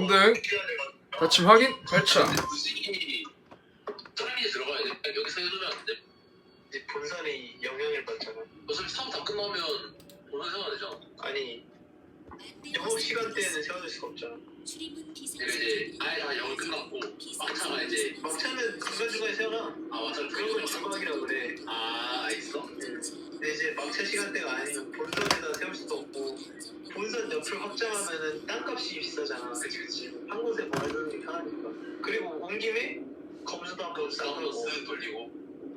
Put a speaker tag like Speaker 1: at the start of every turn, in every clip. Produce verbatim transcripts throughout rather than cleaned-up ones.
Speaker 1: 삼 등 다침 확인 발차.
Speaker 2: 굳이 트라이에 들어가야 돼? 여기서 해두면 안 돼?
Speaker 3: 이제 본선이 영향을 받잖아.
Speaker 2: 어차피 사업 다 끝나면 본선 세워야 되잖아.
Speaker 3: 아니 영업 시간대에는 세워줄 수가 없잖아.
Speaker 2: 내가 이제 아예 다 영업 끝났고 막차가 이제
Speaker 3: 막차는 중간중간에 세워놔.
Speaker 2: 아 맞아
Speaker 3: 그런 걸 주막이라고 그래.
Speaker 2: 아 있어?
Speaker 3: 근데 이제 막차 시간대가 아니면 본선에다 세울 수도 없고 본선 옆을 확장하면은 땅값이 비싸잖아.
Speaker 2: 그치 그치.
Speaker 3: 한 곳에 모아두는 게 편하니까. 그리고 온 김에 검수도 한번
Speaker 2: 싸움도
Speaker 3: 싸우고.
Speaker 2: 쓰는 돌리고.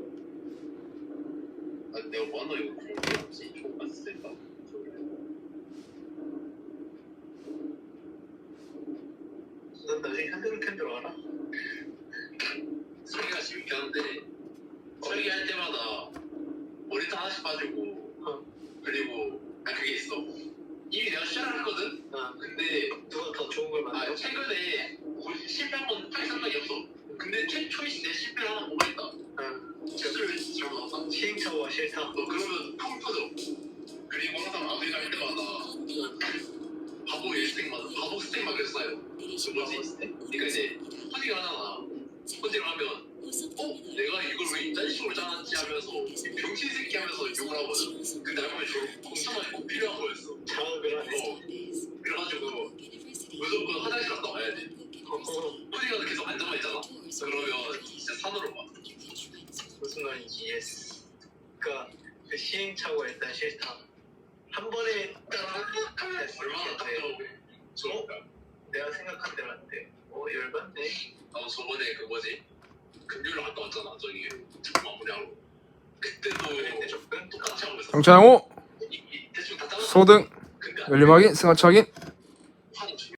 Speaker 2: 아 내가 뭐하나 이거 공개했지? 조금 쓸까?
Speaker 3: 넌 나중에 핸드ル캔들 알아?
Speaker 2: 설계가 재밌긴 한데 설계할 때마다 머리도 하나씩 빠지고
Speaker 3: 어.
Speaker 2: 그리고 아 그게 있어. 이미 내가 시작을 했거든?
Speaker 3: 아
Speaker 2: 근데
Speaker 3: 누가 더 좋은 걸 만들어?
Speaker 2: 아 최근에 실패한 건 딱 생각이 없어. 근데 최초이시 내 실패를 하나 보고 있다.
Speaker 3: 응.
Speaker 2: 실패를 잘못 나왔다.
Speaker 3: 시행착오가 싫다.
Speaker 2: 너 그러면 펑 터져. 그리고 항상 마무리 갈 때마다 바보 일스택마다 바보 스택만 계속 쌓여. 그 뭐지? 그러니까 이제 포징을 하잖아. 포징을 하면 어? 내가 이걸 왜 이딴 식으로 짜놨지 하면서 병신 새끼 하면서 욕을 하거든. 근데 알고 보면 저 엄청 많이 꼭 필요한 거였어.
Speaker 3: 자극을 하네.
Speaker 2: 어. 그래가지고 무조건 화장실 갔다 와야 돼.
Speaker 3: 어,
Speaker 2: 포징하다 계속 앉아만 있잖아. 그러면 진짜 산으로 가.
Speaker 3: 무슨 말인지 이해했어. 그러니까 그 시행착오가 일단 싫다. 한 번에 딱 했을
Speaker 2: 얼마나 딱
Speaker 3: 때
Speaker 2: 들어오고 좋을까?
Speaker 3: 내가 생각한 대로 안 돼. 어 열받네.
Speaker 2: 나도 저번에 그 뭐지? 금요일에 갔다 왔잖아. 저기 첫 마무리하고. 그때도
Speaker 3: 그랬는데 접근
Speaker 2: 똑같이 하고 있었어.
Speaker 1: 정찬호
Speaker 2: 이- 이- 대충 다 잘랐어.
Speaker 1: 소등
Speaker 2: 근데
Speaker 1: 열림 확인 승하차 확인.